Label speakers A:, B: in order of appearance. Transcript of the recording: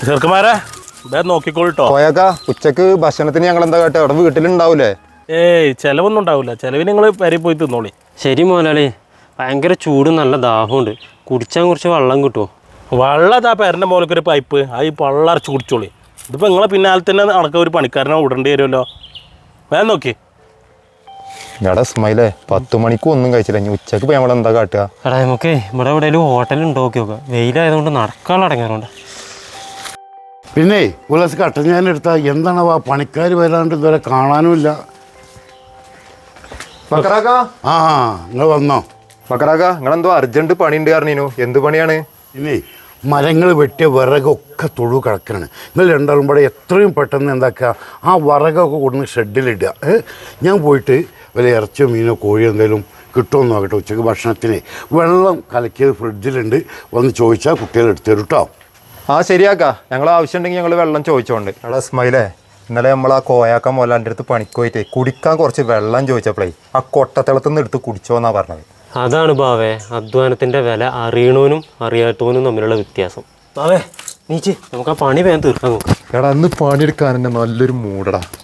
A: ചെറുക്കന്മാരെ നോക്കിക്കോളിട്ടോ.
B: പോയേക്കാ ഉച്ചക്ക് ഭക്ഷണത്തിന് ഞങ്ങൾ എന്താ കേട്ടോ അവിടെ വീട്ടിലുണ്ടാവൂലേ?
A: ഏയ് ചെലവൊന്നും ഉണ്ടാവില്ല, ചെലവിന് നിങ്ങൾ പെരി പോയി തിന്നോളി.
C: ശരി മോലാളി, ഭയങ്കര ചൂടും നല്ല ദാഹമുണ്ട്. കുടിച്ചാൽ കുറച്ച് വെള്ളം കിട്ടുമോ?
A: വെള്ളം അതാ പെരൻ്റെ മോലൊക്കെ പൈപ്പ്, അത് ഈ പള്ളറച്ച് കുടിച്ചോളി. ഇതിപ്പോൾ നിങ്ങളെ പിന്നാലെ തന്നെ നടക്കുക, ഒരു പണിക്കാരനെ വിടേണ്ടി വരുമല്ലോ. വേഗം നോക്കി.
B: എടാ ഇസ്മായിലേ, 10 മണിക്ക് ഒന്നും കഴിച്ചില്ല. ഇനി ഉച്ചക്ക് പോയി നമ്മളെന്താ കാട്ടുക?
C: എടാ നമുക്ക് ഇവിടെ എവിടെയെങ്കിലും ഹോട്ടലിൽ നോക്കി നോക്കാം. വെയിലായതുകൊണ്ട് നടക്കാനുള്ള അടങ്ങാറുണ്ട്.
D: പിന്നെ ഉല്ലാസ് കട്ടൻ ഞാൻ എടുത്താൽ എന്താണ് പണിക്കാർ വരാണ്ട് ഇതുവരെ കാണാനുമില്ല.
B: മക്കറാക്ക,
D: ആ നിങ്ങൾ വന്നോ?
B: മക്കറാക്ക, നിങ്ങളെന്തോ അർജന്റ് പണിയുണ്ട് പറഞ്ഞിനു. എന്ത് പണിയാണ്?
D: പിന്നെ മരങ്ങൾ വെട്ടിയ വിറകൊക്കെ തൊഴു കിടക്കുകയാണ്. നിങ്ങൾ രണ്ടാളും കൂടെ എത്രയും പെട്ടെന്ന് എന്താക്കുക, ആ വിറകൊക്കെ കൊണ്ടുവന്ന് ഷെഡിലിടുക. ഞാൻ പോയിട്ട് വല്ല ഇറച്ചിയോ മീനോ കോഴിയോ എന്തെങ്കിലും കിട്ടുമെന്ന് നോക്കട്ടെ. ഉച്ചക്ക് ഭക്ഷണത്തിന് വെള്ളം കലക്കിയത് ഫ്രിഡ്ജിലുണ്ട്, വന്ന് ചോദിച്ചാൽ കുട്ടികൾ എടുത്തു തരും കേട്ടോ.
B: ആ ശരിയാക്ക, ഞങ്ങൾ ആവശ്യമുണ്ടെങ്കിൽ ഞങ്ങൾ വെള്ളം ചോദിച്ചോണ്ട്. എടാ ഇസ്മായിലേ, ഇന്നലെ നമ്മൾ ആ കോയാക്ക മോലാൻ്റെ അടുത്ത് പണിക്ക് പോയിട്ട് കുടിക്കാൻ കുറച്ച് വെള്ളം ചോദിച്ചപ്പോഴേ ആ കൊട്ടത്തിളത്തുനിന്ന് എടുത്ത് കുടിച്ചോന്നാ പറഞ്ഞത്.
C: അതാണ് ബാവേ അധ്വാനത്തിൻ്റെ വില അറിയണവനും അറിയാത്തവനും തമ്മിലുള്ള വ്യത്യാസം. ബാവേ നീച്ച് നമുക്ക് ആ പണി വേഗം തീർക്കാൻ നോക്കാം.
B: എടാ അന്ന് പണിയെടുക്കാൻ തന്നെ നല്ലൊരു മൂടടാ.